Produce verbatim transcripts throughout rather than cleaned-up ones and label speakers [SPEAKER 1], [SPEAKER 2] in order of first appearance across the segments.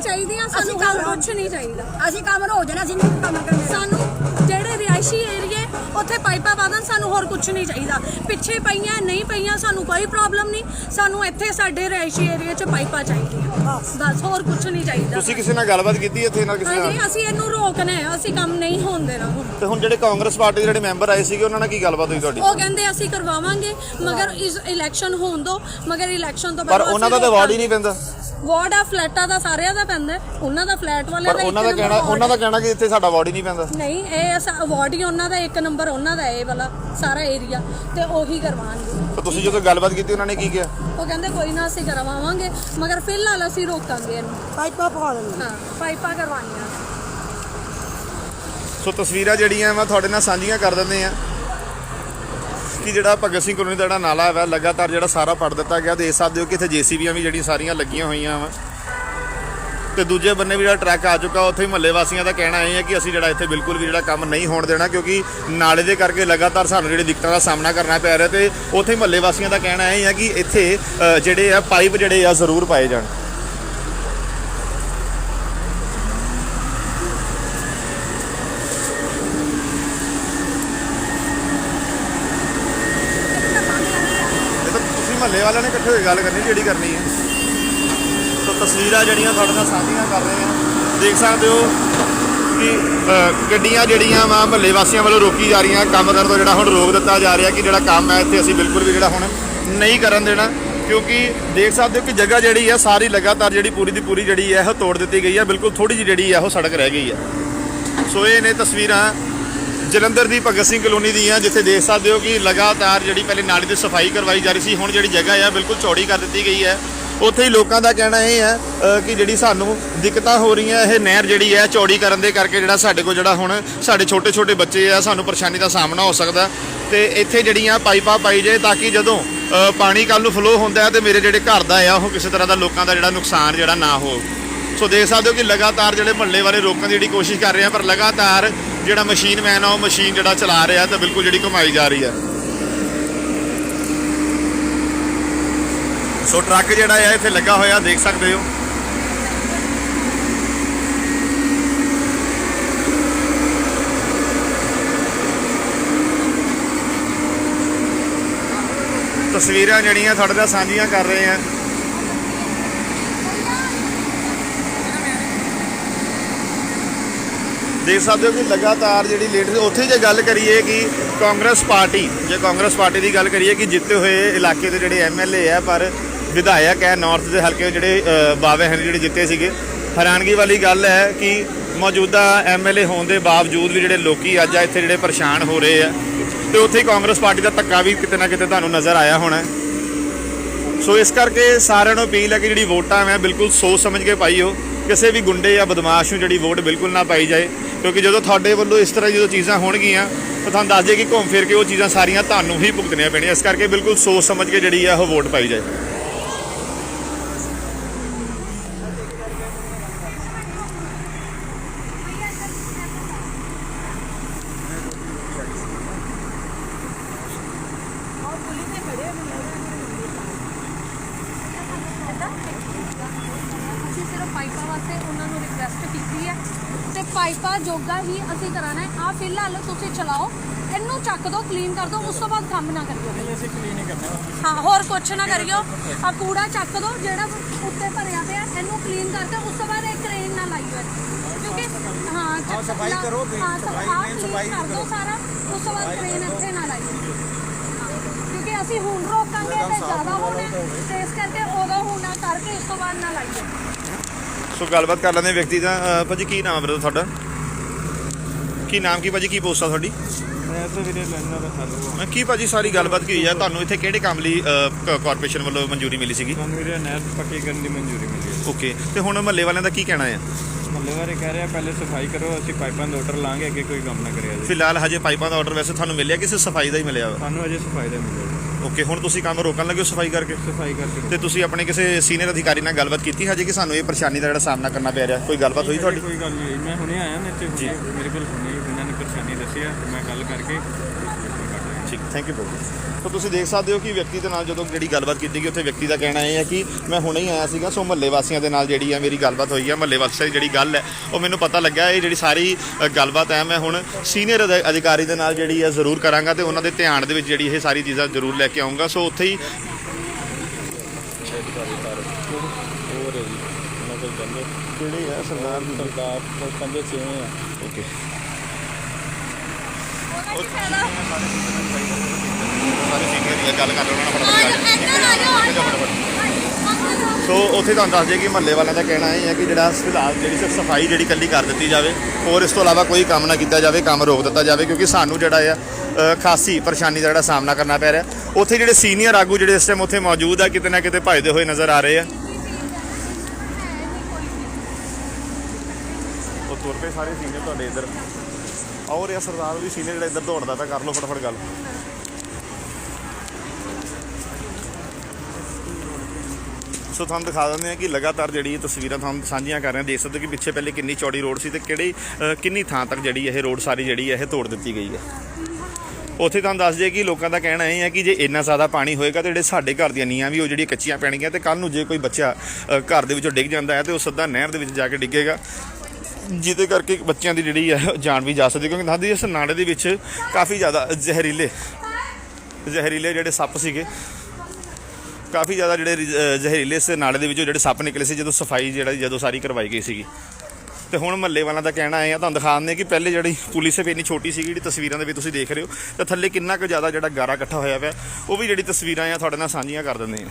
[SPEAKER 1] ਚਾਹੀਦੀਆਂ ਸਾਨੂੰ ਹੋਰ ਕੁਝ ਨਹੀਂ ਚਾਹੀਦਾ।
[SPEAKER 2] ਅਸੀਂ ਕੰਮ ਹੋ ਜਾਣਾ ਅਸੀਂ ਨਹੀਂ ਕੰਮ ਕਰਨਾ।
[SPEAKER 1] ਸਾਨੂੰ ਜਿਹੜੇ ਰਿਹਾਇਸ਼ੀ ਏਰੀਏ ਉੱਥੇ ਪਾਈਪਾਂ ਵਾਦਨ ਸਾਨੂੰ ਹੋਰ ਕੁਝ ਨਹੀਂ ਚਾਹੀਦਾ। ਪਿੱਛੇ ਪਈਆਂ ਨਹੀਂ ਪਈਆਂ ਸਾਨੂੰ ਕੋਈ ਪ੍ਰੋਬਲਮ ਨਹੀਂ। ਸਾਨੂੰ ਇੱਥੇ ਸਾਡੇ ਰਿਹਾਇਸ਼ੀ ਏਰੀਏ 'ਚ ਪਾਈਪਾਂ ਚਾਹੀਦੀਆਂ ਬਸ, ਹੋਰ ਕੁਝ ਨਹੀਂ ਚਾਹੀਦਾ।
[SPEAKER 3] ਤੁਸੀਂ ਕਿਸੇ ਨਾਲ ਗੱਲਬਾਤ ਕੀਤੀ ਇੱਥੇ ਨਾਲ ਕਿਸੇ ਨਾਲ?
[SPEAKER 1] ਹਾਂਜੀ, ਅਸੀਂ ਇਹਨੂੰ ਰੋਕਣਾ ਹੈ, ਅਸੀਂ ਕੰਮ ਨਹੀਂ ਹੋਣ ਦੇਣਾ ਹੁਣ।
[SPEAKER 3] ਤੇ ਹੁਣ ਜਿਹੜੇ ਕਾਂਗਰਸ ਪਾਰਟੀ ਦੇ ਜਿਹੜੇ ਮੈਂਬਰ ਆਏ ਸੀਗੇ ਉਹਨਾਂ ਨਾਲ ਕੀ ਗੱਲਬਾਤ ਹੋਈ ਤੁਹਾਡੀ?
[SPEAKER 1] ਉਹ ਕਹਿੰਦੇ ਅਸੀਂ ਕਰਵਾਵਾਂਗੇ ਮਗਰ ਇਸ ਇਲੈਕਸ਼ਨ ਹੋਣ ਦੋ, ਮਗਰ ਇਲੈਕਸ਼ਨ ਤੋਂ
[SPEAKER 3] ਪਰ ਉਹਨਾਂ ਦਾ ਤਾਂ ਵਾਰਡ ਹੀ ਨਹੀਂ ਪੈਂਦਾ।
[SPEAKER 1] ਵਾਰਡ ਆ ਫਲੈਟਾਂ ਦਾ ਸਾਰਿਆਂ ਦਾ ਪੈਂਦਾ, ਉਹਨਾਂ ਦਾ ਫਲੈਟ ਵਾਲਿਆਂ ਦਾ।
[SPEAKER 3] ਪਰ ਉਹਨਾਂ ਦਾ ਕਹਿਣਾ ਉਹਨਾਂ ਦਾ ਕਹਿਣਾ ਕਿ ਇੱਥੇ ਸਾਡਾ ਵਾਰਡ ਹੀ ਨਹੀਂ ਪੈਂਦਾ।
[SPEAKER 1] ਨਹੀਂ, ਇਹ ਵਾਰਡ ਹੀ ਉਹਨਾਂ ਦਾ, ਇੱਕ ਨੰਬਰ ਉਹਨਾਂ ਦਾ ਇਹ ਵਾਲਾ ਸਾਰਾ ਏਰੀਆ, ਤੇ ਉਹੀ ਕਰਵਾਉਣਗੇ।
[SPEAKER 3] ਤਾਂ ਤੁਸੀਂ ਜਦੋਂ ਗੱਲਬਾਤ ਕੀਤੀ ਉਹਨਾਂ ਨੇ ਕੀ ਕਿਹਾ?
[SPEAKER 1] ਉਹ ਕਹਿੰਦੇ ਕੋਈ ਨਾ ਅਸੀਂ ਕਰਵਾਵਾਂਗੇ ਮਗਰ ਫਿਲਹਾਲ ਅਸੀਂ ਰੋਕਾਂਗੇ ਇਹਨੂੰ।
[SPEAKER 2] ਪਾਈਪਾਂ ਪਵਾ ਦੇਣਗੇ।
[SPEAKER 1] ਹਾਂ, ਪਾਈਪਾਂ ਕਰਵਾਉਣੀਆਂ।
[SPEAKER 3] ਸੋ ਤਸਵੀਰਾਂ ਜਿਹੜੀਆਂ ਮੈਂ ਤੁਹਾਡੇ ਨਾਲ ਸਾਂਝੀਆਂ ਕਰ ਦਿੰਦੇ ਆ ਕਿ ਜਿਹੜਾ ਭਗਤ ਸਿੰਘ ਕਲੋਨੀ ਦਾ ਜਿਹੜਾ ਨਾਲਾ ਹੈ ਲਗਾਤਾਰ ਜਿਹੜਾ ਸਾਰਾ ਪੜ ਦਿੱਤਾ ਗਿਆ। ਦੇਖ ਸਕਦੇ ਹੋ ਕਿ ਇੱਥੇ ਜੇਸੀਬੀਆਂ ਵੀ ਜਿਹੜੀਆਂ ਸਾਰੀਆਂ ਲੱਗੀਆਂ ਹੋਈਆਂ ਵਾ, ਤੇ ਦੂਜੇ ਬੰਨੇ ਵੀ ਜਿਹੜਾ ਟਰੱਕ ਆ ਚੁੱਕਾ। ਉੱਥੇ ਹੀ ਮਹੱਲੇ ਵਾਸੀਆਂ ਦਾ ਕਹਿਣਾ ਇਹ ਹੈ ਕਿ ਅਸੀਂ ਜਿਹੜਾ ਇੱਥੇ ਬਿਲਕੁਲ ਵੀ ਜਿਹੜਾ ਕੰਮ ਨਹੀਂ ਹੋਣ ਦੇਣਾ, ਕਿਉਂਕਿ ਨਾਲੇ ਦੇ ਕਰਕੇ ਲਗਾਤਾਰ ਸਾਨੂੰ ਜਿਹੜੀ ਦਿੱਕਤਾਂ ਦਾ ਸਾਹਮਣਾ ਕਰਨਾ ਪੈ ਰਿਹਾ। ਤੇ ਉੱਥੇ ਹੀ ਮਹੱਲੇ ਵਾਸੀਆਂ ਦਾ ਕਹਿਣਾ ਇਹ ਹੈ ਕਿ ਇੱਥੇ ਜਿਹੜੇ ਆ ਪਾਈਪ ਜਿਹੜੇ ਆ ਜ਼ਰੂਰ ਪਾਏ ਜਾਣ। ਮਹੱਲੇ ਵਾਲਿਆਂ ਨੇ ਇਕੱਠੇ ਹੋਈ ਗੱਲ ਕਰਨੀ ਜਿਹੜੀ ਕਰਨੀ ਹੈ। ਸੋ ਤਸਵੀਰਾਂ ਜਿਹੜੀਆਂ ਤੁਹਾਡੇ ਨਾਲ ਸਾਂਝੀਆਂ ਕਰ ਰਹੇ ਹਾਂ। ਦੇਖ ਸਕਦੇ ਹੋ ਕਿ ਗੱਡੀਆਂ ਜਿਹੜੀਆਂ ਵਾ ਮਹੱਲੇ ਵਾਸੀਆਂ ਵੱਲੋਂ ਰੋਕੀ ਜਾ ਰਹੀਆਂ, ਕੰਮ ਕਰਨ ਤੋਂ ਜਿਹੜਾ ਹੁਣ ਰੋਕ ਦਿੱਤਾ ਜਾ ਰਿਹਾ ਕਿ ਜਿਹੜਾ ਕੰਮ ਹੈ ਇੱਥੇ ਅਸੀਂ ਬਿਲਕੁਲ ਵੀ ਜਿਹੜਾ ਹੁਣ ਨਹੀਂ ਕਰਨ ਦੇਣਾ। ਕਿਉਂਕਿ ਦੇਖ ਸਕਦੇ ਹੋ ਕਿ ਜਗ੍ਹਾ ਜਿਹੜੀ ਹੈ ਸਾਰੀ ਲਗਾਤਾਰ ਜਿਹੜੀ ਪੂਰੀ ਦੀ ਪੂਰੀ ਜਿਹੜੀ ਹੈ ਉਹ ਤੋੜ ਦਿੱਤੀ ਗਈ ਹੈ। ਬਿਲਕੁਲ ਥੋੜੀ ਜਿਹੀ ਜਿਹੜੀ ਹੈ ਉਹ ਸੜਕ ਰਹਿ ਗਈ ਹੈ। ਸੋ ਇਹ ਨੇ ਤਸਵੀਰਾਂ ਜਲੰਧਰ ਦੀ ਭਗਤ ਸਿੰਘ ਕਲੋਨੀ ਦੀਆਂ, ਜਿੱਥੇ ਦੇਖ ਸਕਦੇ ਹੋ ਕਿ ਲਗਾਤਾਰ ਜਿਹੜੀ ਪਹਿਲੇ ਨਾਲੀ ਦੀ ਸਫਾਈ ਕਰਵਾਈ ਜਾ ਰਹੀ ਸੀ, ਹੁਣ ਜਿਹੜੀ ਜਗ੍ਹਾ ਹੈ ਬਿਲਕੁਲ ਚੌੜੀ ਕਰ ਦਿੱਤੀ ਗਈ ਹੈ। ਉੱਥੇ ਹੀ ਲੋਕਾਂ ਦਾ ਕਹਿਣਾ ਇਹ ਹੈ ਕਿ ਜਿਹੜੀ ਸਾਨੂੰ ਦਿੱਕਤਾਂ ਹੋ ਰਹੀਆਂ, ਇਹ ਨਹਿਰ ਜਿਹੜੀ ਹੈ ਚੌੜੀ ਕਰਨ ਦੇ ਕਰਕੇ ਜਿਹੜਾ ਸਾਡੇ ਕੋਲ ਜਿਹੜਾ ਹੁਣ ਸਾਡੇ ਛੋਟੇ ਛੋਟੇ ਬੱਚੇ ਆ, ਸਾਨੂੰ ਪਰੇਸ਼ਾਨੀ ਦਾ ਸਾਹਮਣਾ ਹੋ ਸਕਦਾ। ਤੇ ਇੱਥੇ ਜਿਹੜੀਆਂ ਪਾਈਪਾਂ ਪਾਈ ਜਾਏ ਤਾਂ ਕਿ ਜਦੋਂ ਪਾਣੀ ਕੱਲ ਨੂੰ ਫਲੋ ਹੁੰਦਾ ਹੈ ਤੇ ਮੇਰੇ ਜਿਹੜੇ ਘਰ ਦਾ ਆ ਉਹ ਕਿਸੇ ਤਰ੍ਹਾਂ ਦਾ ਲੋਕਾਂ ਦਾ ਜਿਹੜਾ ਨੁਕਸਾਨ ਜਿਹੜਾ ਨਾ ਹੋ। ਸੋ ਦੇਖ ਸਕਦੇ ਹੋ ਕਿ ਲਗਾਤਾਰ ਜਿਹੜੇ ਮਹੱਲੇ ਵਾਲੇ ਰੋਕਣ ਦੀ ਜਿਹੜੀ ਕੋਸ਼ਿਸ਼ ਕਰ ਰਹੇ ਆ, ਪਰ ਲਗਾਤਾਰ ਜਿਹੜਾ ਮਸ਼ੀਨ ਮੈਨ ਆ ਉਹ ਮਸ਼ੀਨ ਜਿਹੜਾ ਚਲਾ ਰਿਹਾ ਤਾਂ ਬਿਲਕੁਲ ਜਿਹੜੀ ਘੁਮਾਈ ਜਾ ਰਹੀ ਹੈ। ਸੋ ਟਰੱਕ ਜਿਹੜਾ ਹੈ ਇੱਥੇ ਲੱਗਾ ਹੋਇਆ ਦੇਖ ਸਕਦੇ ਹੋ। ਤਸਵੀਰਾਂ ਜਿਹੜੀਆਂ ਤੁਹਾਡੇ ਨਾਲ ਸਾਂਝੀਆਂ ਕਰ ਰਹੇ ਆ। ਦੇਖ ਸਕਦੇ ਹੋ ਕਿ ਲਗਾਤਾਰ ਜਿਹੜੀ ਲੇਟ ਉੱਥੇ ਜੇ ਗੱਲ ਕਰੀਏ ਕਿ ਕਾਂਗਰਸ ਪਾਰਟੀ ਜੇ ਕਾਂਗਰਸ ਪਾਰਟੀ ਦੀ ਗੱਲ ਕਰੀਏ ਕਿ ਜਿੱਤੇ ਹੋਏ ਇਲਾਕੇ ਦੇ ਜਿਹੜੇ ਐਮ ਐਲ ਏ ਹੈ, ਪਰ ਵਿਧਾਇਕ ਹੈ ਨਾਰਥ ਦੇ ਹਲਕੇ ਜਿਹੜੇ ਬਾਵੇ ਹਨ ਜਿਹੜੇ ਜਿੱਤੇ ਸੀਗੇ। ਹੈਰਾਨਗੀ ਵਾਲੀ ਗੱਲ ਹੈ ਕਿ ਮੌਜੂਦਾ ਐਮ ਐਲ ਏ ਹੋਣ ਦੇ ਬਾਵਜੂਦ ਵੀ ਜਿਹੜੇ ਲੋਕੀ ਅੱਜ ਇੱਥੇ ਜਿਹੜੇ ਪਰੇਸ਼ਾਨ ਹੋ ਰਹੇ ਆ, ਤੇ ਉੱਥੇ ਹੀ ਕਾਂਗਰਸ ਪਾਰਟੀ ਦਾ ਧੱਕਾ ਵੀ ਕਿਤੇ ਨਾ ਕਿਤੇ ਤੁਹਾਨੂੰ ਨਜ਼ਰ ਆਇਆ ਹੋਣਾ। ਸੋ ਇਸ ਕਰਕੇ ਸਾਰਿਆਂ ਨੂੰ ਅਪੀਲ ਹੈ ਕਿ ਜਿਹੜੀ ਵੋਟਾਂ ਹੈ ਬਿਲਕੁਲ ਸੋਚ ਸਮਝ ਕੇ ਪਾਈਓ। ਕਿਸੇ ਵੀ ਗੁੰਡੇ ਜਾਂ ਬਦਮਾਸ਼ ਨੂੰ ਜਿਹੜੀ ਵੋਟ ਬਿਲਕੁਲ ਨਾ ਪਾਈ ਜਾਏ, ਕਿਉਂਕਿ ਜਦੋਂ ਤੁਹਾਡੇ ਵੱਲੋਂ ਇਸ ਤਰ੍ਹਾਂ ਜਦੋਂ ਚੀਜ਼ਾਂ ਹੋਣਗੀਆਂ ਤਾਂ ਤੁਹਾਨੂੰ ਦੱਸ ਦਈਏ ਕਿ ਘੁੰਮ ਫਿਰ ਕੇ ਉਹ ਚੀਜ਼ਾਂ ਸਾਰੀਆਂ ਤੁਹਾਨੂੰ ਹੀ ਭੁਗਤਣੀਆਂ ਪੈਣੀਆਂ। ਇਸ ਕਰਕੇ ਬਿਲਕੁਲ ਸੋਚ ਸਮਝ ਕੇ ਜਿਹੜੀ ਆ ਉਹ ਵੋਟ ਪਾਈ ਜਾਏ।
[SPEAKER 1] ਪਾਈਪਾਂ ਵਾਸਤੇ ਉਹਨਾਂ ਨੂੰ ਰਿਕਵੈਸਟ ਕੀਤੀ ਹੈ ਤੇ ਪਾਈਪਾਂ ਜੋਗਾ ਹੀ ਅਸੀਂ ਕਰਾਣਾ ਹੈ। ਆ ਫਿਲਹਾਲ ਤੁਸੀਂ ਚਲਾਓ, ਇਹਨੂੰ ਚੱਕ ਦਿਓ, ਕਲੀਨ ਕਰ ਦਿਓ, ਉਸ ਤੋਂ ਬਾਅਦ ਕੰਮ ਨਾ ਕਰਿਓ।
[SPEAKER 4] ਅਸੀਂ ਕਲੀਨ ਹੀ ਕਰਨਾ
[SPEAKER 1] ਹਾਂ, ਹੋਰ ਕੁਛ ਨਾ ਕਰਿਓ। ਆ ਕੂੜਾ ਚੱਕ ਦਿਓ ਜਿਹੜਾ ਉੱਤੇ ਭਰਿਆ ਪਿਆ, ਇਹਨੂੰ ਕਲੀਨ ਕਰਕੇ ਉਸ ਤੋਂ ਬਾਅਦ ਇੱਕ ਕ੍ਰੇਨ ਨਾਲ ਲਾਈਓ, ਕਿਉਂਕਿ ਹਾਂ
[SPEAKER 4] ਸਫਾਈ ਕਰੋ,
[SPEAKER 1] ਹਾਂ
[SPEAKER 4] ਸਫਾਈ
[SPEAKER 1] ਸਫਾਈ ਕਰ ਦਿਓ ਸਾਰਾ, ਉਸ ਤੋਂ ਬਾਅਦ ਕ੍ਰੇਨ ਇੱਥੇ ਨਾ ਲਾਈਓ, ਕਿਉਂਕਿ ਅਸੀਂ ਹੁਣ ਰੋਕਾਂਗੇ ਤੇ ਜ਼ਿਆਦਾ ਹੋਣਾ, ਤੇ ਇਸ ਕਰਕੇ ਉਦੋਂ ਹੁਣ ਨਾ ਕਰਕੇ ਇਸ ਤੋਂ ਬਾਅਦ ਨਾ ਲਾਈਓ।
[SPEAKER 3] ਸੋ ਗੱਲਬਾਤ ਕਰ ਲੈਂਦੇ ਵਿਅਕਤੀ ਦਾ। ਭਾਜੀ ਕੀ ਨਾਮ ਹੈ ਤੁਹਾਡਾ? ਕੀ ਨਾਮ ਕੀ ਭਾਜੀ, ਕੀ ਪੋਸਟ ਆ ਤੁਹਾਡੀ?
[SPEAKER 4] ਮੈਂ ਤਾਂ ਵੀਰੇ ਲੈਣਾ ਦਾ ਹੱਲ
[SPEAKER 3] ਕੀ ਭਾਜੀ ਸਾਰੀ ਗੱਲਬਾਤ ਕੀ ਹੋਈ ਆ? ਤੁਹਾਨੂੰ ਇੱਥੇ ਕਿਹੜੇ ਕੰਮ ਲਈ ਕਾਰਪੋਰੇਸ਼ਨ ਵੱਲੋਂ ਮਨਜ਼ੂਰੀ ਮਿਲੀ ਸੀਗੀ?
[SPEAKER 4] ਤੁਹਾਨੂੰ ਵੀਰੇ ਨਹਿਰ ਪੱਕੀ ਕਰਨ ਦੀ ਮਨਜ਼ੂਰੀ ਮਿਲੀ ਹੈ।
[SPEAKER 3] ਓਕੇ, ਤੇ ਹੁਣ ਮਹੱਲੇ ਵਾਲਿਆਂ ਦਾ ਕੀ ਕਹਿਣਾ ਹੈ?
[SPEAKER 4] ਮਹੱਲੇ ਵਾਲੇ ਕਹਿ ਰਹੇ ਆ ਪਹਿਲੇ ਸਫਾਈ ਕਰੋ, ਅਸੀਂ ਪਾਈਪਾਂ ਦਾ ਆਰਡਰ ਲਾਂਗੇ, ਅੱਗੇ ਕੋਈ ਕੰਮ ਨਾ ਕਰਿਆ ਜੀ।
[SPEAKER 3] ਫਿਲਹਾਲ ਹਜੇ ਪਾਈਪਾਂ ਦਾ ਆਰਡਰ ਵੈਸੇ ਤੁਹਾਨੂੰ ਮਿਲਿਆ ਕਿ ਸਿਰਫ ਸਫਾਈ ਦਾ ਹੀ ਮਿਲਿਆ ਵਾ?
[SPEAKER 4] ਸਾਨੂੰ ਅਜੇ ਸਫਾਈ ਦਾ ਮਿਲਿਆ।
[SPEAKER 3] ਓਕੇ, ਹੁਣ ਤੁਸੀਂ ਕੰਮ ਰੋਕਣ ਲੱਗੇ ਹੋ ਸਫਾਈ ਕਰਕੇ?
[SPEAKER 4] ਸਫਾਈ ਕਰਕੇ।
[SPEAKER 3] ਤੇ ਤੁਸੀਂ ਆਪਣੇ ਕਿਸੇ ਸੀਨੀਅਰ ਅਧਿਕਾਰੀ ਨਾਲ ਗੱਲਬਾਤ ਕੀਤੀ ਹਜੇ ਕਿ ਸਾਨੂੰ ਇਹ ਪਰੇਸ਼ਾਨੀ ਦਾ ਜਿਹੜਾ ਸਾਹਮਣਾ ਕਰਨਾ ਪੈ ਰਿਹਾ? ਕੋਈ ਗੱਲਬਾਤ ਹੋਈ ਤੁਹਾਡੀ?
[SPEAKER 4] ਕੋਈ ਗੱਲ ਨਹੀਂ, ਮੈਂ ਹੁਣੇ ਆਇਆ ਨਾ ਇੱਥੇ, ਮੇਰੇ ਕੋਲ ਹੁਣੇ ਇਹਨਾਂ ਨੇ ਪਰੇਸ਼ਾਨੀ ਦੱਸੀ ਆ, ਮੈਂ ਗੱਲ ਕਰਕੇ
[SPEAKER 3] ਠੀਕ। ਥੈਂਕ ਯੂ ਬਹੁਤ। ਸੋ ਤੁਸੀਂ ਦੇਖ ਸਕਦੇ ਹੋ ਕਿ ਵਿਅਕਤੀ ਦੇ ਨਾਲ ਜਦੋਂ ਜਿਹੜੀ ਗੱਲਬਾਤ ਕੀਤੀ ਗਈ ਉੱਥੇ ਵਿਅਕਤੀ ਦਾ ਕਹਿਣਾ ਇਹ ਹੈ ਕਿ ਮੈਂ ਹੁਣੇ ਹੀ ਆਇਆ ਸੀਗਾ। ਸੋ ਮਹੱਲੇ ਵਾਸੀਆਂ ਦੇ ਨਾਲ ਜਿਹੜੀ ਹੈ ਮੇਰੀ ਗੱਲਬਾਤ ਹੋਈ ਹੈ। ਮਹੱਲੇ ਵਾਸੀਆਂ ਦੀ ਜਿਹੜੀ ਗੱਲ ਹੈ ਉਹ ਮੈਨੂੰ ਪਤਾ ਲੱਗਾ ਇਹ ਜਿਹੜੀ ਸਾਰੀ ਅ, ਗੱਲਬਾਤ ਹੈ ਮੈਂ ਹੁਣ ਸੀਨੀਅਰ ਅਧਿਕਾਰੀ ਦੇ ਨਾਲ ਜਿਹੜੀ ਹੈ ਜ਼ਰੂਰ ਕਰਾਂਗਾ ਤੇ ਉਹਨਾਂ ਦੇ ਧਿਆਨ ਦੇ ਵਿੱਚ ਜਿਹੜੀ ਇਹ ਸਾਰੀ ਚੀਜ਼ਾਂ ਜ਼ਰੂਰ ਲੈ ਕੇ ਆਊਂਗਾ। ਸੋ ਉੱਥੇ ਹੀ ਜਿਹੜੇ ਹੈ ਸਰਦਾਰ
[SPEAKER 4] ਸਰਦਾਰ ਕਹਿੰਦੇ ਛੇਵੇਂ ਆ
[SPEAKER 3] ਓਕੇ ਸਾਰੇ ਸੀਨੀਅਰ ਹੀ ਆ, ਗੱਲ ਕਰ ਲਓ ਉਹਨਾਂ ਨਾਲ। ਸੋ ਉੱਥੇ ਤੁਹਾਨੂੰ ਦੱਸ ਦਈਏ ਕਿ ਮਹੱਲੇ ਵਾਲਿਆਂ ਦਾ ਕਹਿਣਾ ਇਹ ਹੈ ਕਿ ਜਿਹੜਾ ਫਿਲਹਾਲ ਜਿਹੜੀ ਸਿਰਫ ਸਫਾਈ ਜਿਹੜੀ ਇਕੱਲੀ ਕਰ ਦਿੱਤੀ ਜਾਵੇ, ਹੋਰ ਇਸ ਤੋਂ ਇਲਾਵਾ ਕੋਈ ਕੰਮ ਨਾ ਕੀਤਾ ਜਾਵੇ, ਕੰਮ ਰੋਕ ਦਿੱਤਾ ਜਾਵੇ ਕਿਉਂਕਿ ਸਾਨੂੰ ਜਿਹੜਾ ਆ ਅ, ਖਾਸੀ ਪਰੇਸ਼ਾਨੀ ਦਾ ਜਿਹੜਾ ਸਾਹਮਣਾ ਕਰਨਾ ਪੈ ਰਿਹਾ। ਉੱਥੇ ਜਿਹੜੇ ਸੀਨੀਅਰ ਆਗੂ ਜਿਹੜੇ ਇਸ ਟਾਈਮ ਉੱਥੇ ਮੌਜੂਦ ਆ ਕਿਤੇ ਨਾ ਕਿਤੇ ਭੱਜਦੇ ਹੋਏ ਨਜ਼ਰ ਆ ਰਹੇ ਆ। ਉਹ ਤੁਰ ਪਏ ਸਾਰੇ ਸੀਨੀਅਰ ਤੁਹਾਡੇ ਇੱਧਰ ਆਓ ਰਿਹਾ ਸਰਦਾਰ ਵੀ ਸੀਨੀਅਰ ਜਿਹੜਾ ਇੱਧਰ ਦੌੜਦਾ ਤਾਂ ਕਰ ਲਓ ਫਟਾਫਟ ਗੱਲ। ਸੋ ਤੁਹਾਨੂੰ ਦਿਖਾ ਦਿੰਦੇ ਹਾਂ ਕਿ ਲਗਾਤਾਰ ਜਿਹੜੀ ਇਹ ਤਸਵੀਰਾਂ ਤੁਹਾਨੂੰ ਸਾਂਝੀਆਂ ਕਰ ਰਹੇ ਹਾਂ। ਦੇਖ ਸਕਦੇ ਹੋ ਕਿ ਪਿੱਛੇ ਪਹਿਲੇ ਕਿੰਨੀ ਚੌੜੀ ਰੋਡ ਸੀ ਤੇ ਕਿਹੜੀ ਅ, ਕਿੰਨੀ ਥਾਂ ਤੱਕ ਜਿਹੜੀ ਇਹ ਰੋਡ ਸਾਰੀ ਜਿਹੜੀ ਹੈ ਇਹ ਤੋੜ ਦਿੱਤੀ ਗਈ ਹੈ। ਉੱਥੇ ਤੁਹਾਨੂੰ ਦੱਸ ਦਈਏ ਕਿ ਲੋਕਾਂ ਦਾ ਕਹਿਣਾ ਇਹ ਹੈ ਕਿ ਜੇ ਇੰਨਾ ਜ਼ਿਆਦਾ ਪਾਣੀ ਹੋਏਗਾ ਤਾਂ ਜਿਹੜੇ ਸਾਡੇ ਘਰ ਦੀਆਂ ਨੀਆਂ ਵੀ ਉਹ ਜਿਹੜੀਆਂ ਕੱਚੀਆਂ ਪੈਣਗੀਆਂ ਤੇ ਕੱਲ੍ਹ ਨੂੰ ਜੇ ਕੋਈ ਬੱਚਾ ਅ, ਘਰ ਦੇ ਵਿੱਚੋਂ ਡਿੱਗ ਜਾਂਦਾ ਹੈ ਤੇ ਉਹ ਸਿੱਧਾ ਨਹਿਰ ਦੇ ਵਿੱਚ ਜਾ ਕੇ ਡਿੱਗੇਗਾ, ਜਿਹਦੇ ਕਰਕੇ ਬੱਚਿਆਂ ਦੀ ਜਿਹੜੀ ਹੈ ਜਾਨ ਵੀ ਜਾ ਸਕਦੀ। ਕਿਉਂਕਿ ਦੱਸਦੀ ਇਸ ਨਾਲੇ ਦੇ ਵਿੱਚ ਕਾਫੀ ਜ਼ਿਆਦਾ ਜ਼ਹਿਰੀਲੇ ਜ਼ਹਿਰੀਲੇ ਜਿਹੜੇ ਸੱਪ ਸੀਗੇ, ਕਾਫੀ ਜ਼ਿਆਦਾ ਜਿਹੜੇ ਅ, ਜ਼ਹਿਰੀਲੇ ਇਸ ਨਾਲੇ ਦੇ ਵਿੱਚੋਂ ਜਿਹੜੇ ਸੱਪ ਨਿਕਲੇ ਸੀ ਜਦੋਂ ਸਫਾਈ ਜਿਹੜਾ ਜਦੋਂ ਸਾਰੀ ਕਰਵਾਈ ਗਈ ਸੀਗੀ। ਤੇ ਹੁਣ ਮਹੱਲੇ ਵਾਲਿਆਂ ਦਾ ਕਹਿਣਾ ਇਹ ਆ, ਤੁਹਾਨੂੰ ਦਿਖਾ ਦਿੰਦੇ ਕਿ ਪਹਿਲੇ ਜਿਹੜੀ ਪੁਲਿਸ ਵੀ ਇੰਨੀ ਛੋਟੀ ਸੀਗੀ ਜਿਹੜੀ ਤਸਵੀਰਾਂ ਦੇ ਵਿੱਚ ਤੁਸੀਂ ਦੇਖ ਰਹੇ ਹੋ ਤਾਂ ਥੱਲੇ ਕਿੰਨਾ ਕੁ ਜ਼ਿਆਦਾ ਜਿਹੜਾ ਗਾਰਾ ਇਕੱਠਾ ਹੋਇਆ ਪਿਆ, ਉਹ ਵੀ ਜਿਹੜੀ ਤਸਵੀਰਾਂ ਆ ਤੁਹਾਡੇ ਨਾਲ ਸਾਂਝੀਆਂ ਕਰ ਦਿੰਦੇ ਆ।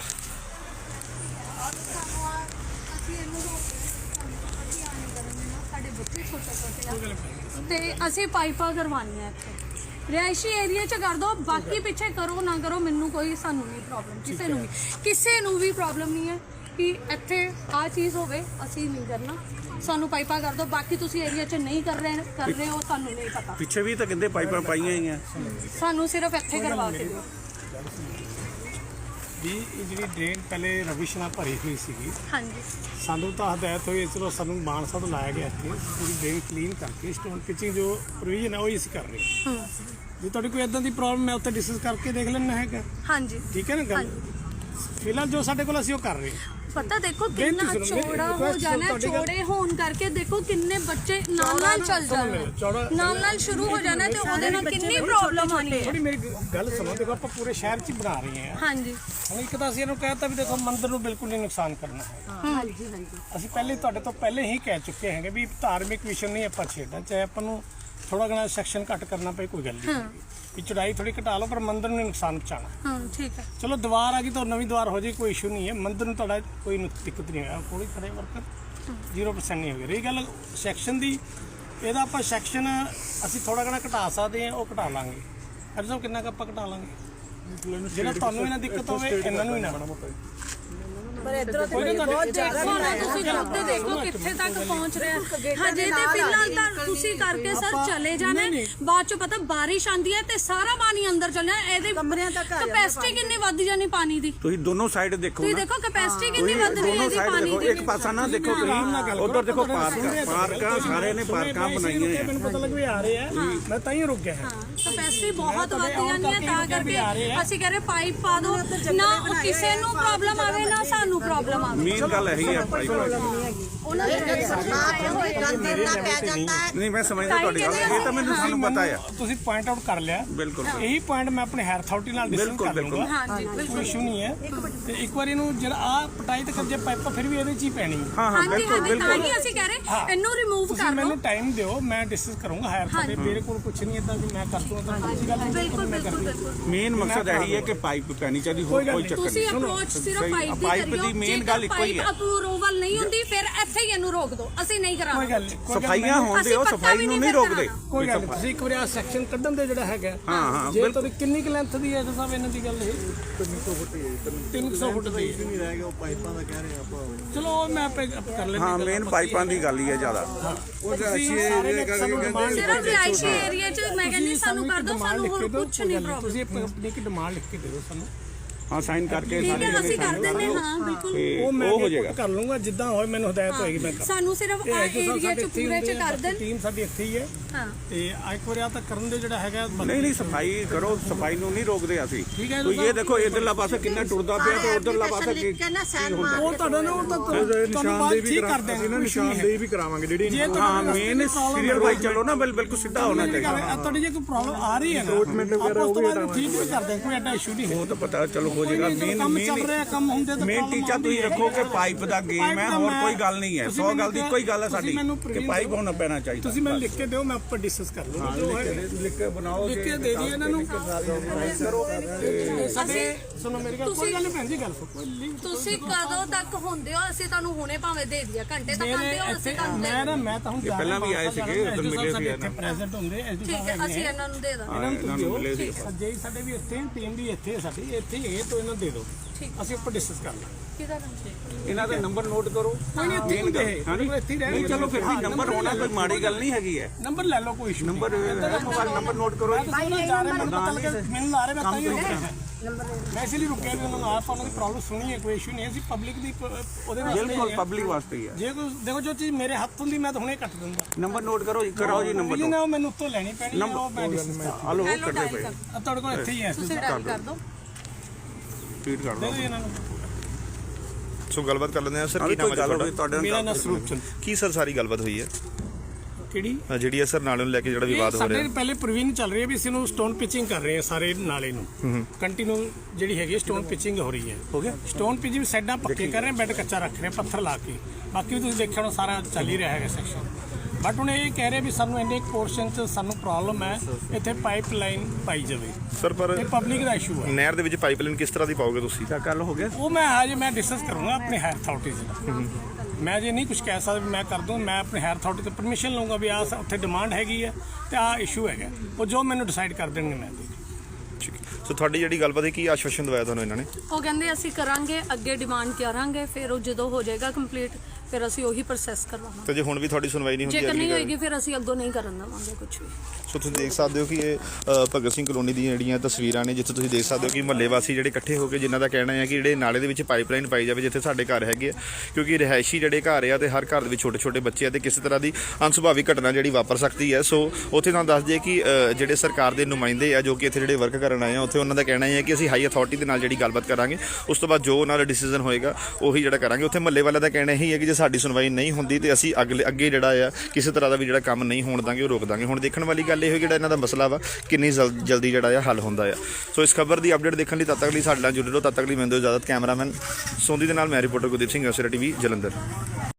[SPEAKER 1] ਤੇ ਅਸੀਂ ਪਾਈਪਾਂ ਕਰਵਾਉਣੀਆਂ ਇੱਥੇ ਰਿਹਾਇਸ਼ੀ ਏਰੀਆ 'ਚ ਕਰ ਦੋ, ਬਾਕੀ ਪਿੱਛੇ ਕਰੋ ਨਾ ਕਰੋ ਮੈਨੂੰ ਕੋਈ ਸਾਨੂੰ ਨਹੀਂ ਪ੍ਰੋਬਲਮ, ਕਿਸੇ ਨੂੰ ਵੀ ਕਿਸੇ ਨੂੰ ਵੀ ਪ੍ਰੋਬਲਮ ਨਹੀਂ ਹੈ ਕਿ ਇੱਥੇ ਆਹ ਚੀਜ਼ ਹੋਵੇ, ਅਸੀਂ ਨਹੀਂ ਕਰਨਾ। ਸਾਨੂੰ ਪਾਈਪਾਂ ਕਰ ਦੋ, ਬਾਕੀ ਤੁਸੀਂ ਏਰੀਆ 'ਚ ਨਹੀਂ ਕਰ ਰਹੇ ਕਰ ਰਹੇ ਹੋ ਸਾਨੂੰ ਨਹੀਂ ਪਤਾ।
[SPEAKER 5] ਪਿੱਛੇ ਵੀ ਤਾਂ ਕਹਿੰਦੇ ਪਾਈਪਾਂ ਪਾਈਆਂ ਹੀ ਆ,
[SPEAKER 1] ਸਾਨੂੰ ਸਿਰਫ ਇੱਥੇ ਕਰਵਾ ਕੇ ਦਿਓ।
[SPEAKER 6] ਵੀ ਇਹ ਜਿਹੜੀ ਡਰੇਨ ਪਹਿਲੇ ਰਵਿਸ਼ ਨਾਲ ਭਰੀ ਹੋਈ ਸੀਗੀ,
[SPEAKER 1] ਹਾਂਜੀ
[SPEAKER 6] ਸਾਨੂੰ ਤਾਂ ਹਦਾਇਤ ਹੋਈ ਚਲੋ ਸਾਨੂੰ ਮਾਨਸਾ ਤੋਂ ਲਾਇਆ ਗਿਆ ਇੱਥੇ ਪੂਰੀ ਡਰੇਨ ਕਲੀਨ ਕਰਕੇ ਸਟੋਨ ਪਿਚਿੰਗ ਜੋ ਪ੍ਰੋਵੀਜ਼ਨ ਹੈ ਉਹ ਹੀ ਅਸੀਂ ਕਰ ਰਹੇ ਹਾਂ। ਜੇ ਤੁਹਾਡੀ ਕੋਈ ਇਦਾਂ ਦੀ ਪ੍ਰੋਬਲਮ ਹੈ ਉੱਥੇ ਡਿਸਕਸ ਕਰਕੇ ਦੇਖ ਲੈਣਾ ਹੈਗਾ,
[SPEAKER 1] ਹਾਂਜੀ
[SPEAKER 6] ਠੀਕ ਹੈ ਨਾ ਗੱਲ। ਫਿਲਹਾਲ ਜੋ ਸਾਡੇ ਕੋਲ ਅਸੀਂ ਉਹ ਕਰ ਰਹੇ ਹਾਂ।
[SPEAKER 1] ਪਤਾ ਦੇਖੋ ਕਿੰਨਾ ਚੌੜਾ ਹੋ ਜਾਣਾ, ਚੌੜੇ ਹੋਣ ਕਰਕੇ ਦੇਖੋ ਕਿੰਨੇ ਬੱਚੇ ਨਾਲ ਨਾਲ ਚੱਲ ਜਾਣਗੇ, ਨਾਲ ਨਾਲ ਸ਼ੁਰੂ ਹੋ ਜਾਣਾ ਤੇ ਉਹਦੇ ਨਾਲ ਕਿੰਨੀ ਪ੍ਰੋਬਲਮ ਆਣੀ ਹੈ।
[SPEAKER 6] ਥੋੜੀ ਮੇਰੀ ਗੱਲ ਸੁਣੋ, ਦੇਖੋ ਆਪਾਂ ਪੂਰੇ ਸ਼ਹਿਰ 'ਚ ਹੀ ਬਣਾ ਰਹੇ ਹਾਂ।
[SPEAKER 1] ਹਾਂਜੀ
[SPEAKER 6] ਹੁਣ ਇੱਕ ਤਾਂ ਅਸੀਂ ਇਹਨੂੰ ਕਹਿਤਾ ਵੀ ਦੇਖੋ ਮੰਦਿਰ ਨੂੰ ਬਿਲਕੁਲ ਨਹੀਂ ਨੁਕਸਾਨ ਕਰਨਾ ਹੈ।
[SPEAKER 1] ਹਾਂਜੀ ਹਾਂਜੀ
[SPEAKER 6] ਅਸੀਂ ਪਹਿਲੇ ਤੁਹਾਡੇ ਤੋਂ ਪਹਿਲੇ ਹੀ ਕਹਿ ਚੁੱਕੇ ਹੈਗੇ ਵੀ ਧਾਰਮਿਕ ਵਿਸ਼ੇ ਨਹੀਂ ਆਪਾਂ ਛੇੜਨਾ, ਚਾਹੇ ਆਪਾਂ ਨੂੰ ਥੋੜਾ ਘਣਾ ਸੈਕਸ਼ਨ ਘੱਟ ਕਰਨਾ ਪਏ ਕੋਈ ਗੱਲ ਨਹੀਂ, ਵੀ ਚੜਾਈ ਥੋੜੀ ਘਟਾ ਲਓ ਪਰ ਮੰਦਿਰ ਨੂੰ ਨੁਕਸਾਨ ਪਹੁੰਚਾਉਣਾ।
[SPEAKER 1] ਹਾਂ ਠੀਕ ਹੈ।
[SPEAKER 6] ਚਲੋ ਦੀਵਾਰ ਆ ਗਈ ਤਾਂ ਨਵੀਂ ਦੀਵਾਰ ਹੋ ਜਾਏ ਕੋਈ ਇਸ਼ੂ ਨਹੀਂ ਹੈ, ਮੰਦਿਰ ਨੂੰ ਤੁਹਾਡਾ ਕੋਈ ਨੁਕ- ਦਿੱਕਤ ਨਹੀਂ ਹੋਇਆ, ਕੋਈ ਖੜੇ ਵਰਕਰ ਜ਼ੀਰੋ ਪਰਸੈਂਟ ਨਹੀਂ ਹੋ ਗਿਆ। ਰਹੀ ਗੱਲ ਸੈਕਸ਼ਨ ਦੀ, ਇਹਦਾ ਆਪਾਂ ਸੈਕਸ਼ਨ ਅਸੀਂ ਥੋੜਾ ਘਣਾ ਘਟਾ ਸਕਦੇ ਹਾਂ, ਉਹ ਘਟਾ ਲਾਂਗੇ। ਅਰਜ਼ੋ ਕਿੰਨਾ ਕੁ ਆਪਾਂ ਘਟਾ ਲਾਂਗੇ, ਜਿਹੜਾ ਤੁਹਾਨੂੰ ਇਹਨਾਂ ਦਿੱਕਤ ਹੋਵੇ ਇਹਨਾਂ ਨੂੰ ਹੀ ਨਾ।
[SPEAKER 2] ਪਰ ਇਧਰੋਂ ਤੇ ਬਹੁਤ ਜ਼ਿਆਦਾ
[SPEAKER 1] ਦੇਖੋ ਨਾ ਤੁਸੀਂ ਖੁਦ ਦੇ ਦੇਖੋ ਕਿੱਥੇ ਤੱਕ ਪਹੁੰਚ ਰਿਹਾ। ਹਜੇ ਤੇ ਫਿਲਹਾਲ ਤਾਂ ਤੁਸੀਂ ਕਰਕੇ ਸਰ ਚਲੇ ਜਾਣਾ, ਬਾਅਦ ਚ ਪਤਾ ਬਾਰਿਸ਼ ਆਂਦੀ ਹੈ ਤੇ ਸਾਰਾ ਪਾਣੀ ਅੰਦਰ ਚੱਲਣਾ। ਇਹਦੀ
[SPEAKER 2] ਕਮਰਿਆਂ ਤੱਕ ਆ
[SPEAKER 1] ਕਪੈਸਿਟੀ ਕਿੰਨੀ ਵੱਧ ਜਾਣੀ ਪਾਣੀ ਦੀ,
[SPEAKER 5] ਤੁਸੀਂ ਦੋਨੋਂ ਸਾਈਡ ਦੇਖੋ
[SPEAKER 1] ਤੁਸੀਂ
[SPEAKER 5] ਨਾ,
[SPEAKER 1] ਦੇਖੋ ਕਪੈਸਿਟੀ ਕਿੰਨੀ
[SPEAKER 5] ਤੁਸੀਂ
[SPEAKER 1] ਵੱਧ ਰਹੀ ਹੈ
[SPEAKER 5] ਦੋਨੋਂ
[SPEAKER 1] ਇਹਦੀ
[SPEAKER 5] ਸਾਈਡ
[SPEAKER 1] ਪਾਣੀ
[SPEAKER 5] ਦੇਖੋ,
[SPEAKER 1] ਦੀ।
[SPEAKER 5] ਇੱਕ ਪਾਸਾ ਨਾ ਦੇਖੋ ਤੁਸੀਂ, ਉਧਰ ਦੇਖੋ ਪਾਰਕ ਪਾਰਕਾਂ ਸਾਰੇ ਨੇ ਪਾਰਕਾਂ ਬਣਾਈਆਂ ਹੋਈਆਂ।
[SPEAKER 6] ਮੈਨੂੰ ਪਤਾ ਲੱਗ ਵੀ ਆ ਰਹੇ ਆ, ਮੈਂ ਤਾਂ ਹੀ ਰੁਕ ਗਿਆ ਹਾਂ।
[SPEAKER 1] ਕਪੈਸਿਟੀ ਬਹੁਤ ਵੱਧ ਜਾਣੀ ਹੈ ਤਾਂ ਕਰਕੇ ਅਸੀਂ ਕਹ ਰਹੇ ਪਾਈਪ ਪਾ ਦਿਓ, ਨਾ ਉਹ ਕਿਸੇ ਨੂੰ ਪ੍ਰੋਬਲਮ ਆਵੇ ਨਾ ਸਾਨੂੰ ਪ੍ਰੋਬਲਮ ਆਵੇ।
[SPEAKER 5] ਮੇਨ ਗੱਲ ਇਹੀ ਆ ਪਾਈਪ।
[SPEAKER 2] ਉਹਨਾਂ ਦੇ ਆਏ ਹੋਏ ਗੰਦਰ ਨਾ ਪੈ ਜਾਂਦਾ ਹੈ।
[SPEAKER 5] ਨਹੀਂ ਮੈਂ ਸਮਝਦਾ ਤੁਹਾਡੀ ਗੱਲ, ਇਹ ਤਾਂ ਮੈਨੂੰ ਸਾਨੂੰ ਪਤਾ ਆ।
[SPEAKER 6] ਤੁਸੀਂ ਪੁਆਇੰਟ ਆਊਟ ਕਰ ਲਿਆ,
[SPEAKER 5] ਬਿਲਕੁਲ
[SPEAKER 6] ਇਹੀ ਪੁਆਇੰਟ ਮੈਂ ਆਪਣੇ ਹੈਲਥ ਅਥਾਰਟੀ ਨਾਲ ਡਿਸਕਸ ਕਰ ਲੂੰਗਾ,
[SPEAKER 1] ਹਾਂਜੀ
[SPEAKER 6] ਕੋਈ ਇਸ਼ੂ ਨਹੀਂ ਹੈ। ਤੇ ਇੱਕ ਵਾਰੀ ਇਹਨੂੰ ਜਿਹੜਾ ਆ ਪਟਾਈ ਤੇ ਜੇ ਪਾਈਪਾਂ ਫਿਰ ਵੀ ਇਹਦੇ 'ਚ ਹੀ ਪੈਣੀ ਹੈ।
[SPEAKER 5] ਹਾਂ ਹਾਂ
[SPEAKER 1] ਹਾਂਜੀ
[SPEAKER 5] ਬਿਲਕੁਲ
[SPEAKER 1] ਹਾਂਜੀ ਤਾਂ
[SPEAKER 5] ਬਿਲਕੁਲ।
[SPEAKER 1] ਹੀ ਅਸੀਂ ਕਹਿ ਰਹੇ ਇਹਨੂੰ ਰਿਮੂਵ
[SPEAKER 6] ਤੁਸੀਂ
[SPEAKER 1] ਕਰ ਦਿਓ।
[SPEAKER 6] ਮੈਨੂੰ ਟਾਈਮ ਦਿਓ, ਮੈਂ ਡਿਸਕਸ ਕਰੂੰਗਾ ਹਾਇਰ ਅਥਾਰਟੀ। ਮੇਰੇ ਕੋਲ ਕੁਝ ਨਹੀਂ ਇਦਾਂ ਕਿ ਮੈਂ ਕਰ ਦੂੰਗਾ ਤਾਂ ਕੋਈ ਗੱਲ ਨਹੀਂ।
[SPEAKER 1] ਬਿਲਕੁਲ ਬਿਲਕੁਲ ਬਿਲਕੁਲ
[SPEAKER 5] ਮੇਨ ਮਕਸਦ ਇਹੀ ਹੈ ਕਿ ਪਾਈਪ ਪੈਣੀ ਚਾਹੀਦੀ, ਹੋਰ ਕੋਈ ਚੱਕਰ
[SPEAKER 1] ਤੁਸੀਂ
[SPEAKER 5] ਨਹੀਂ।
[SPEAKER 1] ਅਪਰੋਚ ਸਿਰਫ
[SPEAKER 5] ਸਹੀ,
[SPEAKER 1] ਪਾਈਪ ਦੀ
[SPEAKER 5] ਪਾਈਪ
[SPEAKER 1] ਕਰਿਓ।
[SPEAKER 5] ਦੀ ਮੇਨ ਗੱਲ ਇੱਕੋ ਹੀ ਹੈ।
[SPEAKER 1] ਪਾਈਪ ਅਪਰੂਵਲ ਨਹੀਂ ਹੁੰਦੀ ਫਿਰ ਇੱਥੇ ਹੀ ਇਹਨੂੰ ਰੋਕ ਦਿਓ, ਅਸੀਂ ਨਹੀਂ
[SPEAKER 6] ਕੋਈ
[SPEAKER 1] ਕਰਾਂਗੇ।
[SPEAKER 6] ਗੱਲ ਨਹੀਂ, ਕੋਈ ਗੱਲ
[SPEAKER 5] ਸਫਾਈਆਂ ਹੋਣ ਦੇ ਉਹ
[SPEAKER 1] ਅਸੀਂ
[SPEAKER 5] ਸਫਾਈ ਨੂੰ ਨਹੀਂ ਰੋਕਦੇ।
[SPEAKER 6] ਕੋਈ ਗੱਲ ਨਹੀਂ। ਤੁਸੀਂ ਇੱਕ ਵਾਰੀ ਆ ਸੈਕਸ਼ਨ ਕੱਢਣ ਦੇ ਜਿਹੜਾ ਹੈਗਾ,
[SPEAKER 5] ਹਾਂ ਹਾਂ
[SPEAKER 6] ਜੇ ਤੁਹਾਡੀ ਕਿੰਨੀ ਕੁ ਲੈਂਥ ਦੀ ਹੈ ਤਾਂ ਸਾਹਿਬ ਇਹਨਾਂ ਦੀ ਗੱਲ ਇਹ ਤਿੰਨ ਸੌ ਫੁੱਟ ਦੀ ਹੈ। ਤਿੰਨ ਸੌ ਫੁੱਟ ਦੀ ਨਹੀਂ ਰਹਿ ਗਿਆ, ਉਹ ਪਾਈਪਾਂ ਦਾ ਕਹਿ ਰਹੇ ਆਪਾਂ। ਚਲੋ ਉਹ ਮੈਂ ਆਪੇ ਕਰ ਲੈਂਦਾ।
[SPEAKER 5] ਹਾਂ ਮੇਨ ਪਾਈਪਾਂ ਦੀ ਗੱਲ ਹੀ ਹੈ ਜ਼ਿਆਦਾ।
[SPEAKER 6] ਉਹ ਅਸੀਂ ਸਾਰੇ ਨੇ ਸਾਨੂੰ ਡਿਮਾਂਡ
[SPEAKER 1] ਸਿਰਫ ਰਿਹਾਇਸ਼ੀ ਏਰੀਆ 'ਚ ਮੈਂ ਕਹਿੰਦੀ ਸਾਨੂੰ ਕਰ ਦਿਓ, ਸਾਨੂੰ ਹੋਰ ਕੁਝ ਨਹੀਂ ਪ੍ਰੋਬਲਮ।
[SPEAKER 6] ਤੁਸੀਂ ਆਪਣੀ ਇੱਕ ਡਿਮਾਂਡ ਲਿਖ ਕੇ ਦੇ ਦਿਓ ਸਾਨੂੰ,
[SPEAKER 5] ਹਾਂ ਸਾਈਨ ਕਰਕੇ
[SPEAKER 1] ਠੀਕ
[SPEAKER 5] ਸਾਰੇ
[SPEAKER 1] ਹੈ, ਅਸੀਂ ਕਰ ਦਿੰਦੇ
[SPEAKER 5] ਦਿਓ।
[SPEAKER 1] ਹਾਂ ਬਿਲਕੁਲ।
[SPEAKER 5] ਤੇ
[SPEAKER 6] ਉਹ ਮੈਂ
[SPEAKER 5] ਉਹ ਹੋ ਜਾਏਗਾ।
[SPEAKER 6] ਕਰ ਲੂੰਗਾ ਜਿੱਦਾਂ ਹੋਏ ਮੈਨੂੰ ਹਦਾਇਤ ਹੋਏਗੀ ਮੈਂ ਕਰ
[SPEAKER 1] ਸਾਨੂੰ ਸਿਰਫ ਆ ਏਰੀਆ ਚ ਪੂਰੇ ਚ ਕਰ ਦੇਣ।
[SPEAKER 6] ਟੀਮ ਸਾਡੀ ਇੱਥੇ ਹੀ ਹੈ
[SPEAKER 1] ਹਾਂ
[SPEAKER 6] ਤੇ ਆ ਇੱਕ ਵਾਰ ਆ ਤਾਂ ਕਰਨ ਦੇ ਜਿਹੜਾ ਹੈਗਾ
[SPEAKER 5] ਨਹੀਂ ਨਹੀਂ ਸਫਾਈ ਕਰੋ, ਸਫਾਈ ਨੂੰ ਨਹੀਂ ਰੋਕਦੇ ਅਸੀਂ।
[SPEAKER 6] ਠੀਕ ਹੈ,
[SPEAKER 5] ਕੋਈ ਇਹ ਦੇਖੋ ਇਧਰਲਾ ਪਾਸਾ ਕਿੰਨਾ ਟੁਰਦਾ ਪਿਆ ਤੇ ਉਧਰਲਾ ਪਾਸਾ ਕੀ
[SPEAKER 2] ਕਹਿੰਦਾ ਸੈਨ ਮਾਰ
[SPEAKER 6] ਉਹ ਤੁਹਾਡਾ ਨਾ ਉਹ ਤਾਂ ਤੁਹਾਨੂੰ ਬਾਅਦ ਠੀਕ ਕਰ ਦੇਣਗੇ ਨਾ ਨਿਸ਼ਾਨਦੇਹੀ ਵੀ
[SPEAKER 3] ਕਰਾਵਾਂਗੇ ਜਿਹੜੀ
[SPEAKER 6] ਜੇ
[SPEAKER 5] ਹਾਂ ਮੇਨ ਸੀਰੀਅਲ ਵਾਈ ਚੱਲੋ ਨਾ ਬਿਲ- ਬਿਲਕੁਲ ਸਿੱਧਾ ਹੋਣਾ ਚਾਹੀਦਾ।
[SPEAKER 6] ਤੁਹਾਡੀ ਜੇ ਕੋਈ ਪ੍ਰੋਬਲਮ ਆ ਰਹੀ ਹੈ ਨਾ ਆਪਾਂ ਉਸ ਤੋਂ ਬਾਅਦ ਠੀਕ ਵੀ ਕਰ ਦੇਂਗੇ, ਕੋਈ ਐਡਾ ਇਸ਼ੂ ਨਹੀਂ
[SPEAKER 5] ਉਹ ਤਾਂ ਪਤਾ ਚਲੋ ਹੋ ਜਾਏਗਾ। ਮੇਨ
[SPEAKER 6] ਕੰਮ ਚੱਲ
[SPEAKER 5] ਮੇਨ
[SPEAKER 6] ਰਿਹਾ ਕੰਮ ਹੁੰਦੇ ਤਾਂ
[SPEAKER 5] ਮੇਨ ਟੀਚਾ ਤੁਸੀਂ ਰੱਖੋ ਕਿ ਪਾਈਪ ਦਾ ਗੇਮ ਹੈ, ਹੋਰ ਕੋਈ ਗੱਲ ਨਹੀਂ ਹੈ। ਸੌ ਗੱਲ ਦੀ ਇੱਕੋ ਹੀ ਗੱਲ ਹੈ ਸਾਡੀ ਕਿ ਪਾਈਪ ਹੋਣਾ ਪੈਣਾ ਚਾਹੀਦਾ।
[SPEAKER 6] ਤੁਸੀਂ ਮੈਨੂੰ ਲਿਖ ਕੇ ਦਿਓ, ਮੈਂ ਉੱਪਰ ਡਿਸਕਸ ਕਰ ਲੂੰਗਾ ਜੋ ਹੈ
[SPEAKER 5] ਲਿਖ ਕੇ ਬਣਾਓ,
[SPEAKER 6] ਲਿਖ ਕੇ ਦੇ ਦਿਓ ਇਹਨਾਂ ਨੂੰ ਸਾਡੇ ਸੁਣੋ ਮੇਰੀ ਗੱਲ, ਕੋਈ ਗੱਲ ਨਹੀਂ ਭੈਣ ਜੀ, ਗੱਲ ਕੋਈ ਲਿੰਕ
[SPEAKER 1] ਤੁਸੀਂ ਕਦੋਂ ਤੱਕ ਹੁੰਦੇ ਹੋ? ਅਸੀਂ ਤੁਹਾਨੂੰ ਹੁਣੇ ਭਾਵੇਂ ਦੇ ਦਈਏ, ਘੰਟੇ ਤੱਕ ਆਉਂਦੇ ਹੋ ਅਸੀਂ ਤੁਹਾਨੂੰ ਦੇ
[SPEAKER 6] ਮੈਂ ਨਾ ਮੈਂ ਤਾਂ ਹੁਣ
[SPEAKER 5] ਪਹਿਲਾਂ ਵੀ ਆਏ ਸੀਗੇ, ਉਦੋਂ ਮਿਲੇ ਸੀ
[SPEAKER 6] ਇੱਥੇ ਪ੍ਰੈਜ਼ੈਂਟ ਹੁੰਦੇ ਐਸ ਡੀ
[SPEAKER 1] ਠੀਕ ਹੈ, ਅਸੀਂ ਇਹਨਾਂ ਨੂੰ ਦੇ ਦਾਂਗੇ।
[SPEAKER 6] ਇਹਨਾਂ ਨੂੰ
[SPEAKER 5] ਇਹਨਾਂ
[SPEAKER 6] ਤੁਸੀਂ
[SPEAKER 5] ਨੂੰ ਮਿਲੇ ਸੀ।
[SPEAKER 6] ਦਿਓ ਜੇ ਸਾਡੇ ਵੀ ਇੱਥੇ ਟੀਮ ਵੀ ਇੱਥੇ ਹੈ ਸਾਡੀ ਇੱਥੇ ਇਹ ਤੋਂ ਇਹਨਾਂ ਨੂੰ ਦੇ ਦਿਓ, ਅਸੀਂ ਉੱਪਰ ਡਿਸਕਸ ਕਰ ਲਾਂਗੇ।
[SPEAKER 1] ਕਿਹਦਾ ਨਾਮ?
[SPEAKER 5] ਇਹਨਾਂ ਦਾ ਨੰਬਰ ਨੋਟ ਕਰੋ।
[SPEAKER 6] ਕੋਈ ਨਹੀਂ ਇੱਥੇ ਹੁੰਦੇ ਹੈ
[SPEAKER 5] ਹਾਂਜੀ
[SPEAKER 6] ਇੱਥੇ ਹੀ ਰਹਿਣਗੇ।
[SPEAKER 5] ਨਹੀਂ ਚਲੋ ਫਿਰ ਵੀ ਨੰਬਰ ਹੋਣਾ ਕੋਈ ਮਾੜੀ ਗੱਲ ਨਹੀਂ ਹੈਗੀ ਹੈ।
[SPEAKER 6] ਨੰਬਰ ਲੈ ਲਓ, ਕੋਈ issue
[SPEAKER 5] number mobile number note ਕਰੋ ਜੀ।
[SPEAKER 6] ਮੈਨੂੰ ਲਾ ਰਹੇ ਮੈਂ ਤਾਂ ਲਾ ਰਹੇ ਮੈਂ ਤਾਂ ਹੀ ਰੁਕਿਆ ਮੈਂ ਇਸ ਲਈ ਰੁਕਿਆ ਵੀ ਉਹਨਾਂ ਨੂੰ ਆਪ ਉਹਨਾਂ ਦੀ ਪ੍ਰੋਬਲਮ ਸੁਣੀ ਹੈ, ਕੋਈ ਇਸ਼ੂ ਨਹੀਂ। ਅਸੀਂ ਪਬਲਿਕ ਦੀ ਪ- ਉਹਦੇ ਵਾਸਤੇ
[SPEAKER 5] ਬਿਲਕੁਲ ਪਬਲਿਕ ਵਾਸਤੇ ਹੀ ਹੈ।
[SPEAKER 6] ਜੇ ਕੋਈ ਦੇਖੋ ਜੋ ਚੀਜ਼ ਮੇਰੇ ਹੱਥ ਹੁੰਦੀ ਮੈਂ ਤਾਂ ਹੁਣੇ ਕੱਟ ਦਿੰਦਾ।
[SPEAKER 5] ਨੰਬਰ ਨੋਟ ਕਰੋ ਜੀ, ਕਰਾਓ ਜੀ ਨੰਬਰ
[SPEAKER 6] ਜੀ ਨਾ ਉਹ ਮੈਨੂੰ ਉੱਤੋਂ ਲੈਣੀ ਪੈਣੀ ਹੈ, ਉਹ ਮੈਂ ਡਿਸਕਸ ਕਰ
[SPEAKER 5] ਹਲੋ ਕਰਦੇ ਪਏ
[SPEAKER 6] ਆ ਤੁਹਾਡੇ ਕੋਲ ਇੱਥੇ ਹੀ ਹੈ
[SPEAKER 1] ਤੁਸੀਂ ਡਾਇਲ ਕਰ ਦਿਓ।
[SPEAKER 5] ਫੀਡ ਕਰ
[SPEAKER 6] ਦੇ
[SPEAKER 5] ਲਓ।
[SPEAKER 6] ਦਿਓ ਇਹਨਾਂ ਨੂੰ।
[SPEAKER 3] ਸੋ ਗੱਲਬਾਤ ਕਰ ਲੈਂਦੇ ਆ ਸਰ, ਕੀ
[SPEAKER 5] ਕੋਈ
[SPEAKER 3] ਨਾਮ ਹੈ
[SPEAKER 5] ਗੱਲ ਹੋਵੇ
[SPEAKER 3] ਤੁਹਾਡਾ?
[SPEAKER 5] ਤੁਹਾਡੇ
[SPEAKER 6] ਮੇਰਾ
[SPEAKER 5] ਨਾਲ
[SPEAKER 6] ਨਾਮ ਸਰੂਪ ਚੰਦ।
[SPEAKER 3] ਕੀ ਸਰ ਸਾਰੀ ਗੱਲਬਾਤ ਹੋਈ ਹੈ
[SPEAKER 6] ਕਿਹੜੀ
[SPEAKER 3] ਅ, ਜਿਹੜੀ ਹੈ ਸਰ ਨਾਲੇ ਨੂੰ ਲੈ ਕੇ ਜਿਹੜਾ ਵਿਵਾਦ ਹੋ
[SPEAKER 6] ਸਾਡੇ
[SPEAKER 3] ਰਿਹਾ?
[SPEAKER 6] ਪਹਿਲੇ ਪ੍ਰਵੀਨ ਚੱਲ ਰਹੀ ਹੈ ਵੀ ਇਸ ਨੂੰ ਸਟੋਨ ਪਿਚਿੰਗ ਕਰ ਰਹੇ ਆ ਸਾਰੇ ਨਾਲੇ ਨੂੰ ਕੰਟੀਨਿਊ ਜਿਹੜੀ ਹੈਗੀ ਸਟੋਨ ਪਿਚਿੰਗ ਹੋ ਰਹੀ ਹੈ।
[SPEAKER 5] ਹੋ ਗਿਆ
[SPEAKER 6] ਸਟੋਨ ਪਿਚਿੰਗ ਸਾਈਡਾਂ ਪੱਕੇ ਕਰ ਰਹੇ, ਬੈੱਡ ਕੱਚਾ ਰੱਖ ਰਹੇ, ਪੱਥਰ ਲਾ ਕੇ। ਬਾਕੀ ਵੀ ਤੁਸੀਂ ਦੇਖਿਆ ਹੋਣਾ ਸਾਰਾ ਚੱਲ ਹੀ ਰਿਹਾ ਹੈਗਾ ਸੈਕਸ਼ਨ। ਬਟ ਹੁਣ ਇਹ ਕਹਿ ਰਹੇ ਵੀ ਸਾਨੂੰ ਇੰਨੇ ਪੋਰਸ਼ਨ 'ਚ ਸਾਨੂੰ ਪ੍ਰੋਬਲਮ ਹੈ, ਇੱਥੇ ਪਾਈਪ ਲਾਈਨ ਪਾਈ ਜਾਵੇ।
[SPEAKER 3] ਸਰ ਪਰ
[SPEAKER 6] ਇਹ ਪਬਲਿਕ ਦਾ ਇਸ਼ੂ ਹੈ।
[SPEAKER 3] ਨਹਿਰ ਦੇ ਵਿੱਚ ਪਾਈਪਲਾਈਨ ਕਿਸ ਤਰ੍ਹਾਂ ਦੀ ਪਾਓਗੇ ਤੁਸੀਂ?
[SPEAKER 5] ਕੀ ਗੱਲ ਹੋ ਗਿਆ?
[SPEAKER 6] ਉਹ ਮੈਂ ਹਜੇ ਮੈਂ ਡਿਸਕਸ ਕਰੂੰਗਾ ਆਪਣੇ ਹਾਇਰ ਅਥਾਰਟੀਜ਼ ਨਾਲ। ਮੈਂ ਜੇ ਨਹੀਂ ਕੁਝ ਕਹਿ ਸਕਦਾ ਵੀ ਮੈਂ ਕਰ ਦੂੰ, ਮੈਂ ਆਪਣੇ ਹਾਇਰ ਅਥਾਰਟੀ ਤੋਂ ਪਰਮਿਸ਼ਨ ਲਵਾਂਗਾ ਵੀ ਆ ਉੱਥੇ ਡਿਮਾਂਡ ਹੈਗੀ ਹੈ ਤੇ ਆ ਇਸ਼ੂ ਹੈਗਾ, ਉਹ ਜੋ ਮੈਨੂੰ ਡਿਸਾਈਡ ਕਰ ਦੇਣਗੇ ਮੈਂ ਦੇ
[SPEAKER 3] ਠੀਕ ਹੈ। ਸੋ ਤੁਹਾਡੀ ਜਿਹੜੀ ਗੱਲਬਾਤ ਹੈ, ਕੀ ਆਸ਼ਵਾਸਨ ਦਵਾਇਆ ਤੁਹਾਨੂੰ ਇਹਨਾਂ ਨੇ?
[SPEAKER 1] ਉਹ ਕਹਿੰਦੇ ਅਸੀਂ ਕਰਾਂਗੇ, ਅੱਗੇ ਡਿਮਾਂਡ ਕਰਾਂਗੇ, ਫਿਰ ਉਹ ਜਦੋਂ ਹੋ ਜਾਏਗਾ ਕੰਪਲੀਟ ਫਿਰ ਅਸੀਂ ਉਹੀ ਪ੍ਰੋਸੈਸ ਕਰਵਾਵਾਂਗੇ।
[SPEAKER 3] ਤੇ ਜੇ ਹੁਣ ਵੀ ਤੁਹਾਡੀ ਸੁਣਵਾਈ ਨਹੀਂ ਹੁੰਦੀ
[SPEAKER 1] ਜੇਕਰ ਨਹੀਂ
[SPEAKER 3] ਅਗਲੀ
[SPEAKER 1] ਹੋਏਗੀ ਫਿਰ ਅਸੀਂ ਅੱਗੋਂ ਨਹੀਂ ਕਰਨ ਦੇਵਾਂਗੇ ਕੁਝ ਵੀ।
[SPEAKER 3] ਸੋ ਤੁਸੀਂ ਦੇਖ ਸਕਦੇ ਹੋ ਕਿ ਇਹ ਅ, ਭਗਤ ਸਿੰਘ ਕਲੋਨੀ ਦੀਆਂ ਜਿਹੜੀਆਂ ਤਸਵੀਰਾਂ ਨੇ, ਜਿੱਥੇ ਤੁਸੀਂ ਦੇਖ ਸਕਦੇ ਹੋ ਕਿ ਮਹੱਲੇ ਵਾਸੀ ਜਿਹੜੇ ਇਕੱਠੇ ਹੋ ਕੇ ਜਿਨ੍ਹਾਂ ਦਾ ਕਹਿਣਾ ਹੈ ਕਿ ਜਿਹੜੇ ਨਾਲੇ ਦੇ ਵਿੱਚ ਪਾਈਪਲਾਈਨ ਪਾਈ ਜਾਵੇ ਜਿੱਥੇ ਸਾਡੇ ਘਰ ਹੈਗੇ ਆ, ਕਿਉਂਕਿ ਰਿਹਾਇਸ਼ੀ ਜਿਹੜੇ ਘਰ ਆ ਤੇ ਹਰ ਘਰ ਦੇ ਵਿੱਚ ਛੋਟੇ ਛੋਟੇ ਬੱਚੇ ਆ ਤੇ ਕਿਸੇ ਤਰ੍ਹਾਂ ਦੀ ਅਨਸੁਭਾਵੀ ਘਟਨਾ ਜਿਹੜੀ ਵਾਪਰ ਸਕਦੀ ਹੈ। ਸੋ ਉੱਥੇ ਤੁਹਾਨੂੰ ਦੱਸ ਦਈਏ ਕਿ ਅ, ਜਿਹੜੇ ਸਰਕਾਰ ਦੇ ਨੁਮਾਇੰਦੇ ਆ ਜੋ ਕਿ ਇੱਥੇ ਜਿਹੜੇ ਵਰਕ ਕਰਨ ਆਏ ਆ, ਉੱਥੇ ਉਹਨਾਂ ਦਾ ਕਹਿਣਾ ਹੈ ਕਿ ਅਸੀਂ ਹਾਈ ਅਥਾਰਟੀ ਦੇ ਨਾਲ ਜਿਹੜੀ ਗੱਲਬਾਤ ਕਰਾਂਗੇ, ਉਸ ਤੋਂ ਬਾਅਦ ਜੋ ਉਹਨਾਂ ਦਾ ਡਿਸੀਜਨ ਹੋਏਗਾ ਉਹੀ ਜਿਹੜਾ ਕਰਾਂਗੇ। ਉੱਥੇ ਮਹੱਲੇ ਵਾਲਿਆਂ ਦਾ ਕਹਿਣਾ ਇਹੀ ਹੈ ਕਿ ਜੇ ਸਾਡੀ ਸੁਣਵਾਈ ਨਹੀਂ ਹੁੰਦੀ ਤੇ ਅਸੀਂ ਅਗਲੇ ਅੱਗੇ ਜਿਹੜਾ ਆ ਕਿਸੇ ਤਰ੍ਹਾਂ ਦਾ ਵੀ ਜਿਹੜਾ ਕੰਮ ਨਹੀਂ ਹੋਣ ਦਾਂਗੇ, ਉਹ ਰੋਕ ਦਾਂਗੇ। ਹੁਣ ਦੇਖਣ ਵਾਲੀ ਗੱਲ ਇਹ ਹੋਈ ਜਿਹੜਾ ਇਹਨਾਂ ਦਾ ਮਸਲਾ ਵਾ ਕਿੰਨੀ ਜਲ- ਜਲਦੀ ਜਿਹੜਾ ਆ ਹੱਲ ਹੁੰਦਾ ਆ। ਸੋ ਇਸ ਖਬਰ ਦੀ ਅਪਡੇਟ ਦੇਖਣ ਲਈ ਤਦ ਤੱਕ ਲਈ ਸਾਡੇ ਨਾਲ ਜੁੜੇ ਰਹੋ। ਤਦ ਤੱਕ ਲਈ ਮੈਨੂੰ ਦਿਓ ਇਜਾਜ਼ਤ। ਕੈਮਰਾਮੈਨ ਸੋਂਦੀ ਦੇ ਨਾਲ ਮੈਂ ਰਿਪੋਰਟਰ ਗੁਰਦੀਪ ਸਿੰਘ, ਅਸਰਾ ਟੀਵੀ ਜਲੰਧਰ।